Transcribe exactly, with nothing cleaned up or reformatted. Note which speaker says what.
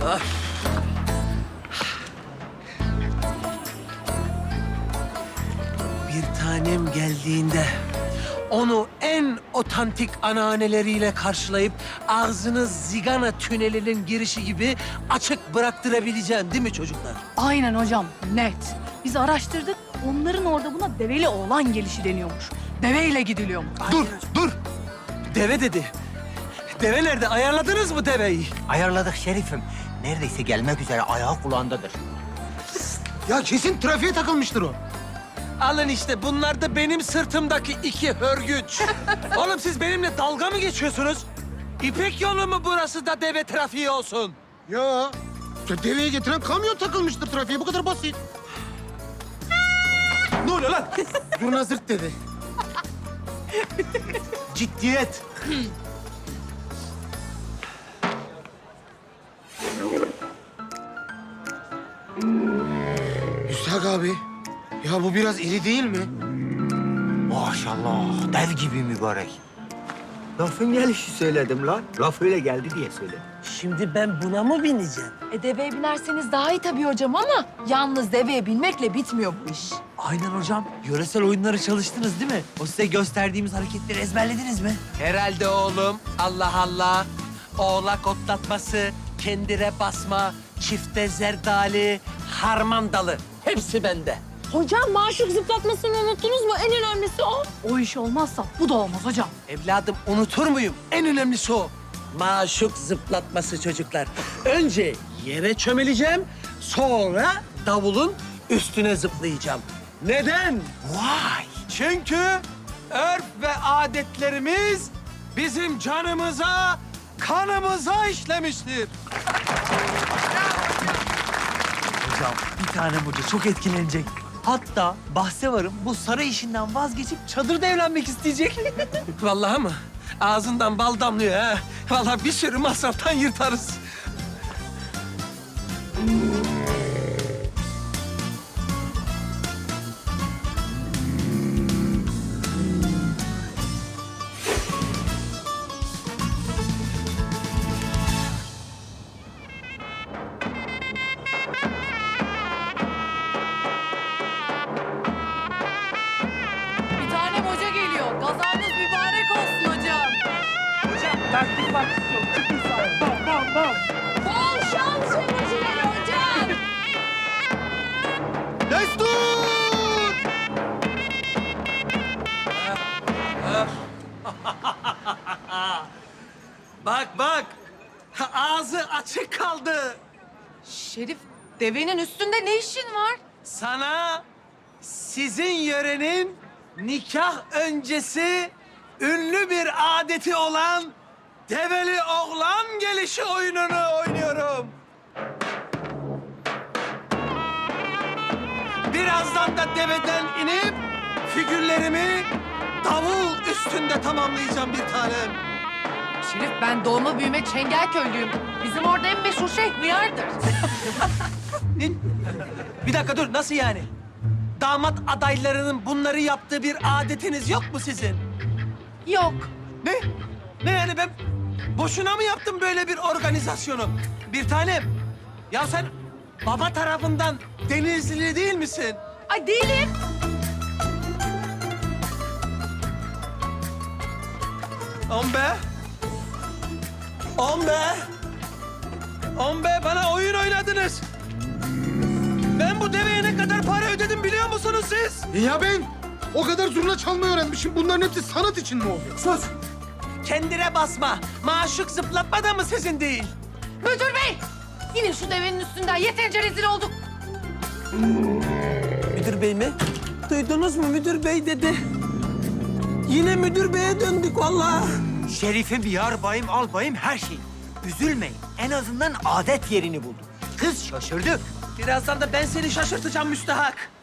Speaker 1: Bir tanem geldiğinde onu en otantik anneanneleriyle karşılayıp ağzını Zigana tünelinin girişi gibi açık bıraktırabileceksin değil mi çocuklar?
Speaker 2: Aynen hocam, net. Biz araştırdık, onların orada buna develi oğlan gelişi deniyormuş. Deveyle gidiliyormuş.
Speaker 1: Dur, dur. Deve dedi. Deve nerede? Ayarladınız mı deveyi?
Speaker 3: Ayarladık Şerif'im. Neredeyse gelmek üzere, ayağı kulağındadır.
Speaker 4: Ya kesin trafiğe takılmıştır o.
Speaker 1: Alın işte bunlar da benim sırtımdaki iki hörgüç. Oğlum siz benimle dalga mı geçiyorsunuz? İpek yolu mu burası da deve trafiği olsun?
Speaker 4: Ya, ya deveye getiren kamyon takılmıştır trafiğe. Bu kadar basit.
Speaker 1: Ne oluyor lan?
Speaker 4: Zurna zırt dedi.
Speaker 1: Ciddiyet.
Speaker 4: Müstahak abi, ya bu biraz iri değil mi?
Speaker 3: Maşallah, dev gibi mübarek. Lafın gelişi söyledim lan. Laf öyle geldi diye söyledim.
Speaker 1: Şimdi ben buna mı bineceğim?
Speaker 2: E deveye binerseniz daha iyi tabii hocam ama yalnız deveye binmekle bitmiyor bu iş.
Speaker 5: Aynen hocam. Yöresel oyunları çalıştınız değil mi? O size gösterdiğimiz hareketleri ezberlediniz mi?
Speaker 1: Herhalde oğlum. Allah Allah. Oğlak otlatması, kendire basma, çifte zerdali, harman dalı. Hepsi bende.
Speaker 6: Hocam maşuk zıplatmasını unuttunuz mu? En önemlisi o.
Speaker 2: O iş olmazsa bu da olmaz hocam.
Speaker 1: Evladım unutur muyum? En önemlisi o. Maşuk zıplatması çocuklar. Önce yere çömeleceğim, sonra davulun üstüne zıplayacağım. Neden?
Speaker 3: Vay!
Speaker 1: Çünkü örf ve adetlerimiz bizim canımıza, kanımıza işlemiştir.
Speaker 5: Hocam bir tane hoca çok etkilenecek. Hatta bahse varım bu saray işinden vazgeçip çadırda evlenmek isteyecek.
Speaker 1: Vallahi mı? Ağzından bal damlıyor ha. Vallahi bir sürü masraftan yırtarız.
Speaker 2: Bir tane hoca geliyor. Gazanız mübarek olsun hocam.
Speaker 6: Bol şans seyircileri hocam.
Speaker 4: Destur!
Speaker 1: Bak bak. Ağzı açık kaldı.
Speaker 2: Şerif, devenin üstünde ne işin var?
Speaker 1: Sana sizin yörenin nikah öncesi ünlü bir adeti olan develi oğlan gelişi oyununu oynuyorum. Birazdan da deveden inip figürlerimi davul üstünde tamamlayacağım bir tanem.
Speaker 2: Şerif, ben doğma büyüme Çengelköylüyüm. Bizim orada en meşhur şey hıyardır.
Speaker 1: Ne? Bir dakika dur, nasıl yani? Damat adaylarının bunları yaptığı bir adetiniz yok mu sizin?
Speaker 2: Yok.
Speaker 1: Ne? Ne yani ben boşuna mı yaptım böyle bir organizasyonu? Bir tanem, ya sen baba tarafından Denizlili değil misin?
Speaker 2: Ay değilim.
Speaker 1: On be. On be. On be, bana oyun oynadınız. Ben bu deveye ne kadar para ödedim biliyor musunuz siz?
Speaker 4: E ya ben o kadar zurna çalmayı öğrenmişim. Bunların hepsi sanat için mi oluyor?
Speaker 1: Sus. Kendine basma. Maşuk zıplatma da mı sizin değil?
Speaker 2: Müdür bey! Yine şu devenin üstünden yeterince rezil olduk.
Speaker 1: Müdür bey mi? Duydunuz mu, müdür bey dedi. Yine müdür beye döndük vallahi.
Speaker 3: Şerif'im, yar bayım, al bayım, her şey. Üzülmeyin. En azından adet yerini buldu. Kız şaşırdı.
Speaker 1: Birazdan da ben seni şaşırtacağım müstahak.